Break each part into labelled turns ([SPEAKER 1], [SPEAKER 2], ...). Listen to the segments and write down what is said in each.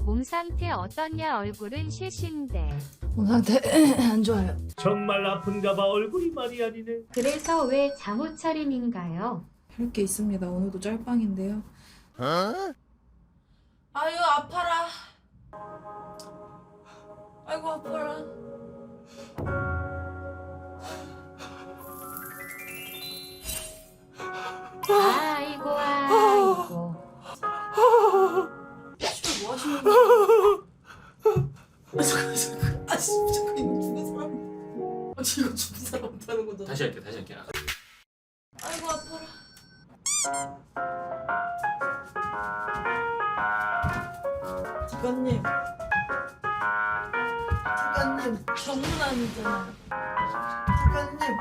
[SPEAKER 1] 몸 상태 어떻냐? 얼굴은 쉐신데.
[SPEAKER 2] 몸 상태 안 좋아요.
[SPEAKER 3] 정말 아픈가 봐. 얼굴이 말이 아니네.
[SPEAKER 1] 그래서 왜 잠옷 차림인가요?
[SPEAKER 2] 할 게 있습니다. 오늘도 짤방인데요. 아유 아파라. 아이고 아파라.
[SPEAKER 1] 아이고 아이고.
[SPEAKER 2] 씨발 뭐 하시는 거야? 아 잠깐. 아 씨, 잠깐 이거 죽은 사람. 아 이거 죽은 사람 못하는 거잖아.
[SPEAKER 3] 다시 할게.
[SPEAKER 2] 아이고 아파라. 작가님. 작가님 정문환이잖아요. 작가님.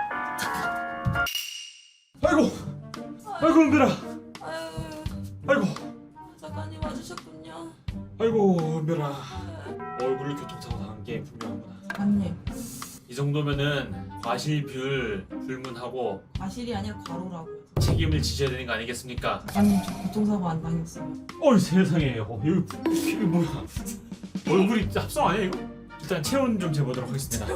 [SPEAKER 3] 아이고 은별아.
[SPEAKER 2] 아유
[SPEAKER 3] 아이고
[SPEAKER 2] 작가님 와주셨군요.
[SPEAKER 3] 아이고 은별아. 얼굴 교통사고 당한 게 분명하구나.
[SPEAKER 2] 작가님
[SPEAKER 3] 이 정도면은 과실비율 불문하고
[SPEAKER 2] 과실이 아니라 과로라고요.
[SPEAKER 3] 책임을 지셔야 되는 거 아니겠습니까?
[SPEAKER 2] 작가님 저 교통사고 안 당했어요.
[SPEAKER 3] 어이 세상에. 이게 뭐야? 얼굴이 합성 아니야 이거? 일단 체온 좀 재보도록 하겠습니다.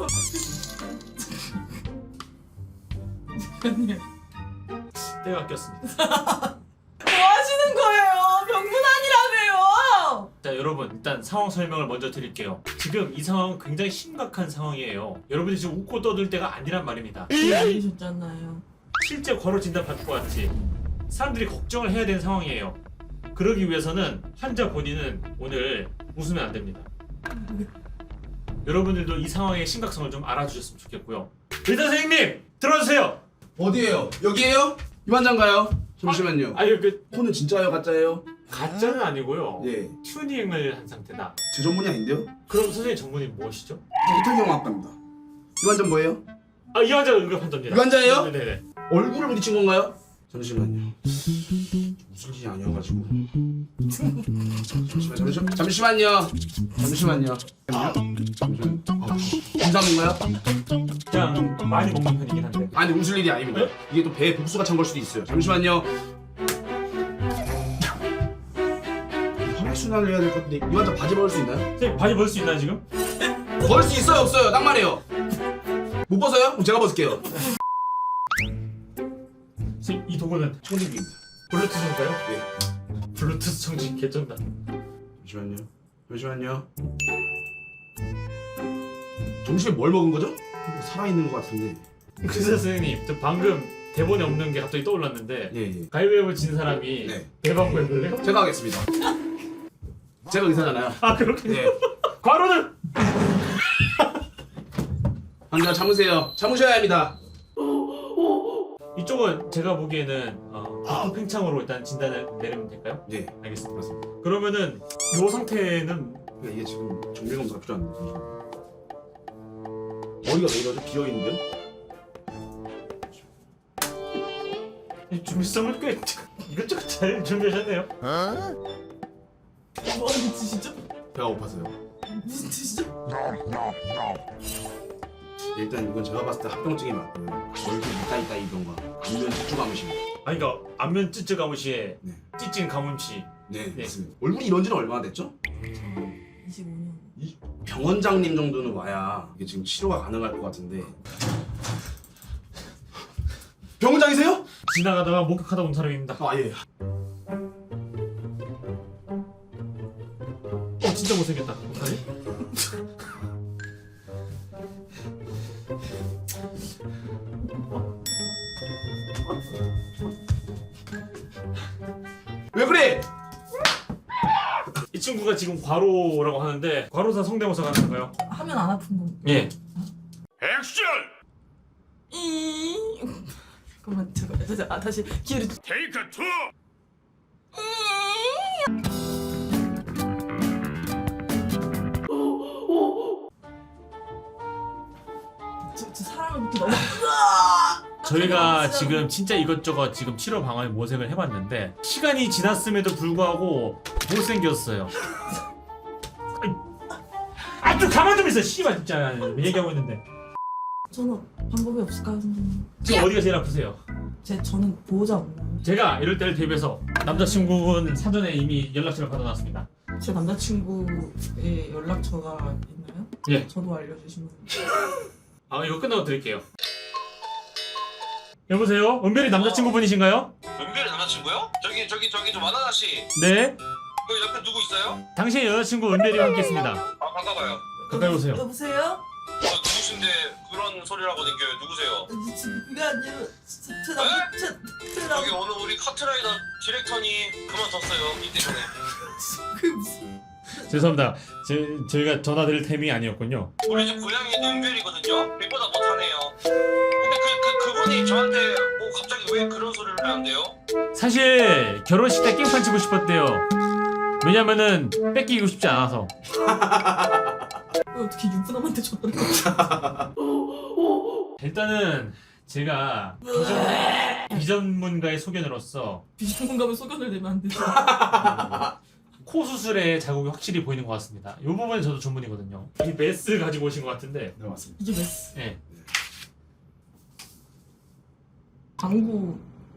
[SPEAKER 2] 작가님
[SPEAKER 3] 때가 꼈습니다.
[SPEAKER 2] 뭐 하시는 거예요? 병문안이라며요.
[SPEAKER 3] 자 여러분 일단 상황 설명을 먼저 드릴게요. 지금 이 상황은 굉장히 심각한 상황이에요. 여러분들이 지금 웃고 떠들 때가 아니란 말입니다.
[SPEAKER 2] 아니셨잖아요.
[SPEAKER 3] 실제 과로 진단 받을 것 같지? 사람들이 걱정을 해야 되는 상황이에요. 그러기 위해서는 환자 본인은 오늘 웃으면 안 됩니다. 여러분들도 이 상황의 심각성을 좀 알아주셨으면 좋겠고요. 의사 선생님 들어주세요.
[SPEAKER 4] 어디에요? 여기에요? 이 환자인가요? 잠시만요.
[SPEAKER 3] 아유 그
[SPEAKER 4] 코는 진짜예요? 가짜예요?
[SPEAKER 3] 가짜는 아니고요.
[SPEAKER 4] 예.
[SPEAKER 3] 튜닝을 한 상태다.
[SPEAKER 4] 제 전문이 아닌데요?
[SPEAKER 3] 그럼 선생님 전문이 무엇이죠?
[SPEAKER 4] 이탈경화학과입니다. 이 환자 뭐예요?
[SPEAKER 3] 아 이 환자가 응급환자입니다.
[SPEAKER 4] 이 환자예요?
[SPEAKER 3] 네네네.
[SPEAKER 4] 얼굴을 부딪힌 건가요? 잠시만요. 무슨 일이 아니어가지고. 잠시만요. 인삼인가요?
[SPEAKER 3] 그냥 많이 먹는 편이긴 한데.
[SPEAKER 4] 아니 웃을 일이 아닙니다. 이게 또 배에 복수가 찬 걸 수도 있어요. 잠시만요. 혈액순환을 해야 될 것 같은데 이 환자 바지 벗을 수 있나요?
[SPEAKER 3] 선생님 바지 벗을 수 있나요 지금?
[SPEAKER 4] 벗을 수 있어요 없어요? 딱 말해요. 못 벗어요? 그럼 제가 벗을게요.
[SPEAKER 3] 선생님 이 도구는
[SPEAKER 4] 청진기입니다.
[SPEAKER 3] 블루투스인가요?
[SPEAKER 4] 예.
[SPEAKER 3] 블루투스 청진 개쩐다.
[SPEAKER 4] 잠시만요. 점심에 뭘 먹은 거죠? 뭐 살아있는 것 같은데.
[SPEAKER 3] 의사 선생님 저 방금 대본에 없는 게 갑자기 떠올랐는데
[SPEAKER 4] 예.
[SPEAKER 3] 가위바위보 진 사람이
[SPEAKER 4] 네.
[SPEAKER 3] 대방구 해볼래요?
[SPEAKER 4] 제가 하겠습니다. 제가 의사잖아요.
[SPEAKER 3] 아 그렇군요.
[SPEAKER 4] 예.
[SPEAKER 3] 과로는
[SPEAKER 4] 환자 참으셔야 합니다.
[SPEAKER 3] 이쪽은 제가 보기에는 팽창으로 일단 진단을 내리면 될까요?
[SPEAKER 4] 네.
[SPEAKER 3] 알겠습니다. 그러면은 이 상태는
[SPEAKER 4] 그러니까 이게 지금 정밀 검사가 필요한데. 머리가 왜 이러죠? 비어 있는데요?
[SPEAKER 3] 이 준비성을 꽤 이것저것 잘 준비하셨네요.
[SPEAKER 2] 뭐 하는 짓이죠?
[SPEAKER 4] 배가 고파서요.
[SPEAKER 2] 무슨 짓이죠?
[SPEAKER 4] 일단 이건 제가 봤을 때 합병증이 맞고요. 얼굴 있다 이던가 안면 집중 감으십니다.
[SPEAKER 3] 아니 그러니까 안면 찌찌 가무시에
[SPEAKER 4] 네.
[SPEAKER 3] 찌찐 가문치.
[SPEAKER 4] 네,
[SPEAKER 3] 네.
[SPEAKER 4] 맞습니다. 얼굴이 이런 지는 얼마나 됐죠?
[SPEAKER 2] 25년.
[SPEAKER 4] 병원장님 정도는 와야 이게 지금 치료가 가능할 것 같은데. 병원장이세요?
[SPEAKER 3] 지나가다가 목격하다 온 사람입니다.
[SPEAKER 4] 아 예.
[SPEAKER 3] 진짜 못생겼다. 어떡하지?
[SPEAKER 4] 왜 그래?
[SPEAKER 3] 이 친구가 지금 과로라고 하는데 과로사 성대모사 가능한가요?
[SPEAKER 2] 하면 안 아픈 거.
[SPEAKER 3] 예.
[SPEAKER 5] 액션!
[SPEAKER 2] 잠깐만 다시 기회를.
[SPEAKER 5] 테이크 2!
[SPEAKER 2] 저 사람을 이렇게 너무.
[SPEAKER 3] 저희가 지금 진짜 이것저것 지금 치료 방안에 모색을 해봤는데 시간이 지났음에도 불구하고 못생겼어요. 좀 가만 좀 있어. 씨발 진짜 얘기하고 있는데.
[SPEAKER 2] 저는 방법이 없을까요, 선생님?
[SPEAKER 3] 지금 어디가 제일 아프세요?
[SPEAKER 2] 저는 보호자 없나요?
[SPEAKER 3] 제가 이럴 때를 대비해서 남자친구분 사전에 이미 연락처를 받아놨습니다.
[SPEAKER 2] 제 남자친구의 연락처가 있나요?
[SPEAKER 3] 예.
[SPEAKER 2] 저도 알려주시면.
[SPEAKER 3] 아 이거 끝나고 드릴게요. 여보세요? 은별이 남자친구분이신가요?
[SPEAKER 6] 은별이 남자친구요? 저기 저 만화나 씨.
[SPEAKER 3] 네.
[SPEAKER 6] 그 옆에 누구 있어요?
[SPEAKER 3] 당신의 여자친구 은별이와 함께했습니다.
[SPEAKER 6] 아 반가워요.
[SPEAKER 3] 가까이 오세요.
[SPEAKER 2] 여보세요?
[SPEAKER 6] 누구신데 그런 소리를 하고 댕겨요? 누구세요?
[SPEAKER 2] 그게 아니라 제
[SPEAKER 6] 여기 오늘 우리 카트라이더 디렉터니 그만뒀어요. 이 때문에.
[SPEAKER 2] 그 무슨
[SPEAKER 3] 죄송합니다. 저희가 전화드릴 템이 아니었군요.
[SPEAKER 6] 우리 집 고양이는 은별이거든요. 빛보다 못하네요. 근데 그분이 저한테 뭐 갑자기 왜 그런 소리를 하는데요?
[SPEAKER 3] 사실 결혼식 때 깽판 치고 싶었대요. 왜냐면은 뺏기고 싶지 않아서.
[SPEAKER 2] 어떻게 유부남한테 전화를 해?
[SPEAKER 3] 일단은 제가 비전문가의 소견으로서
[SPEAKER 2] 비전문가면 소견을 내면 안 되죠.
[SPEAKER 3] 코 수술에 자국이 확실히 보이는 것 같습니다. 이 부분은 저도 전문이거든요. 이 메스 가지고 오신 것 같은데.
[SPEAKER 4] 네 맞습니다.
[SPEAKER 2] 이게 메스.
[SPEAKER 3] 네.
[SPEAKER 2] 광고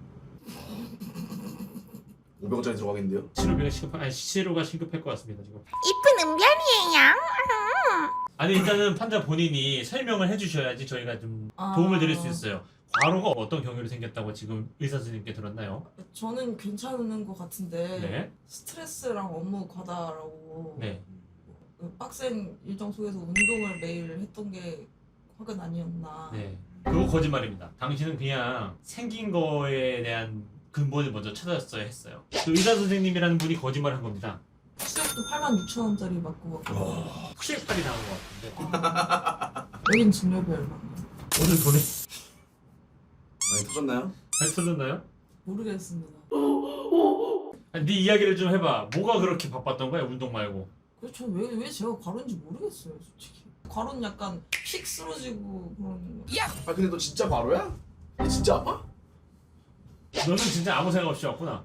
[SPEAKER 4] 500원짜리 들어가겠는데요?
[SPEAKER 3] 치료가 시급할 것 같습니다 지금.
[SPEAKER 7] 이쁜 은별이에요.
[SPEAKER 3] 아니 일단은 환자 본인이 설명을 해주셔야지 저희가 좀
[SPEAKER 2] 아.
[SPEAKER 3] 도움을 드릴 수 있어요. 과로가 어떤 경위로 생겼다고 지금 의사 선생님께 들었나요?
[SPEAKER 2] 저는 괜찮은 것 같은데
[SPEAKER 3] 네.
[SPEAKER 2] 스트레스랑 업무 과다라고
[SPEAKER 3] 네.
[SPEAKER 2] 그 빡센 일정 속에서 운동을 매일 했던 게 화가 아니었나.
[SPEAKER 3] 네. 그거 거짓말입니다. 당신은 그냥 생긴 거에 대한 근본을 먼저 찾았어야 했어요. 그 의사 선생님이라는 분이 거짓말한 겁니다.
[SPEAKER 2] 시작도 86,000원짜리 맞고 갔고
[SPEAKER 3] 혹시팔이 나온 것 같은데.
[SPEAKER 2] 여긴 진료비 얼마?
[SPEAKER 3] 오늘 돈이
[SPEAKER 4] 많이 터졌나요?
[SPEAKER 3] 잘 터졌나요?
[SPEAKER 2] 모르겠습니다.
[SPEAKER 3] 아니, 네 이야기를 좀 해봐. 뭐가 그렇게 바빴던 거야 운동 말고?
[SPEAKER 2] 그래서 왜 제가 과로인지 모르겠어요 솔직히. 과로는 약간 픽 쓰러지고 그런 거.
[SPEAKER 4] 아 근데 너 진짜 바로야? 너 진짜 아파?
[SPEAKER 3] 너는 진짜 아무 생각 없이 왔구나.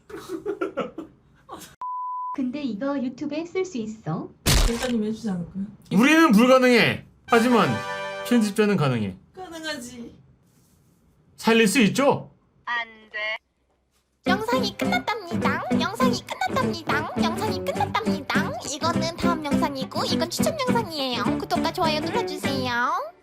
[SPEAKER 1] 근데 이거 유튜브에 쓸 수 있어?
[SPEAKER 2] 대사님 해주지 않을까요?
[SPEAKER 3] 우리는 불가능해. 하지만 편집자는 가능해.
[SPEAKER 2] 가능하지.
[SPEAKER 3] 살릴 수 있죠?
[SPEAKER 7] 영상이 끝났답니다. 영상이 끝났답니다. 영상이 끝났답니다. 이거는 다음 영상이고 이건 추천 영상이에요. 구독과 좋아요 눌러주세요.